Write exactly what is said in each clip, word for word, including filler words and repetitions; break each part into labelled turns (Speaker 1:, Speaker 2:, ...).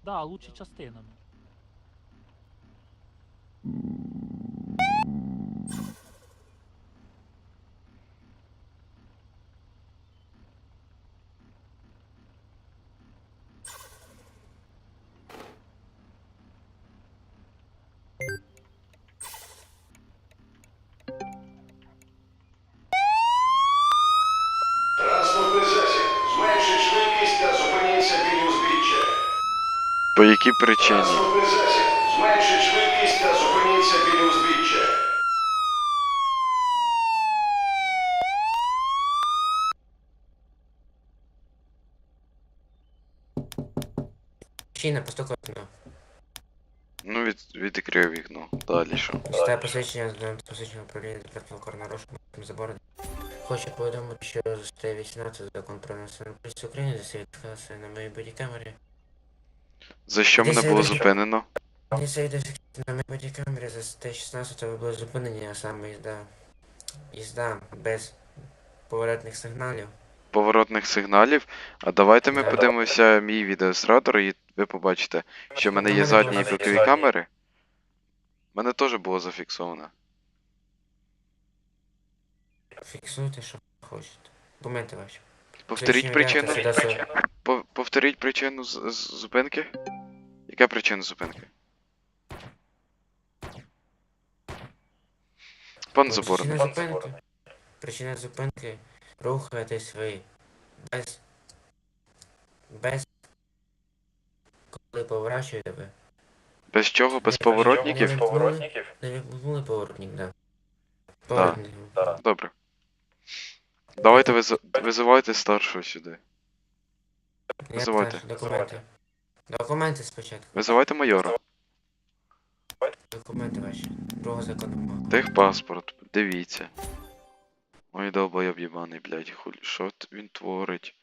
Speaker 1: Да, лучше частинами.
Speaker 2: Транспортний засіб. Зменшить швидкість та зупиніться біля узбіччя.
Speaker 3: По якій причині?
Speaker 2: Транспортний засіб. Зменшить швидкість та зупиніться біля узбіччя.
Speaker 4: Причина постукав вікно.
Speaker 3: Ну, від, відкрив вікно. Далі що?
Speaker 4: Дістає посвідчення з посвідчення управління департаменту Корнорожку забору. Хочу повідомити, що за статтею вісімнадцять Закон про національну поліцію України засвідчилася на моїй бодікамері.
Speaker 3: За що мене
Speaker 4: Десять
Speaker 3: було
Speaker 4: років.
Speaker 3: зупинено?
Speaker 4: Засвідчилася на моїй бодікамері за статтею шістнадцять ви були зупинені, а саме їзда. Їзда без поворотних сигналів.
Speaker 3: Поворотних сигналів. А давайте ми
Speaker 4: Да.
Speaker 3: подивимося мій відеореєстратор, і ви побачите, що в мене є задні і бокові камери. У мене теж було зафіксовано.
Speaker 4: Фіксуйте, що хочете. Документи ваші.
Speaker 3: Повторіть причину.
Speaker 4: Сюди все.
Speaker 3: По- Повторіть причину з- з- зупинки. Яка причина зупинки? Пан Заборний.
Speaker 4: Причина зупинки. Причина зупинки. Рухаєтесь ви. Без. Без. Коли поворачуєте ви.
Speaker 3: Без чого? Без
Speaker 4: Не
Speaker 3: поворотників?
Speaker 4: вимкнули- Не вимкнули поворотник, да. Поворотник.
Speaker 3: Добре. Давайте виз... визивайте старшого сюди.
Speaker 4: Я
Speaker 3: Визивайте.
Speaker 4: теж. Документи. Документи спочатку.
Speaker 3: Визивайте майора.
Speaker 4: Документи ваші. Другого закону мова.
Speaker 3: Техпаспорт, дивіться. Ой, долбойоб єбаний, блядь, хулі, що т- він творить?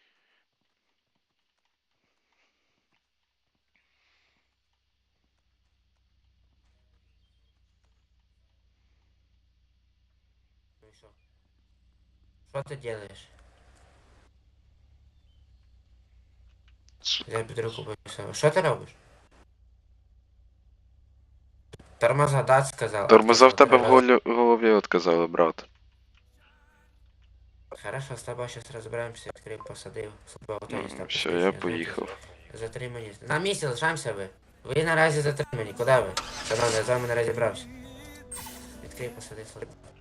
Speaker 4: Ну і що? Що ти делаєш?
Speaker 3: С-
Speaker 4: Я під руку повісив. Що ти робиш? Тормоза дать сказав.
Speaker 3: Тормоза в тебе в
Speaker 4: Треба-
Speaker 3: голі- голові отказали, брат.
Speaker 4: Хорошо, з тобою зараз розберемося, відкрив, посадив. Службового
Speaker 3: Ну,
Speaker 4: тоніста.
Speaker 3: все, я поїхав.
Speaker 4: Затримані. На місці лишаємося ви. Ви наразі затримані. Куди ви? Шановний, я з вами не розібрався. Відкрив, посадив. службового.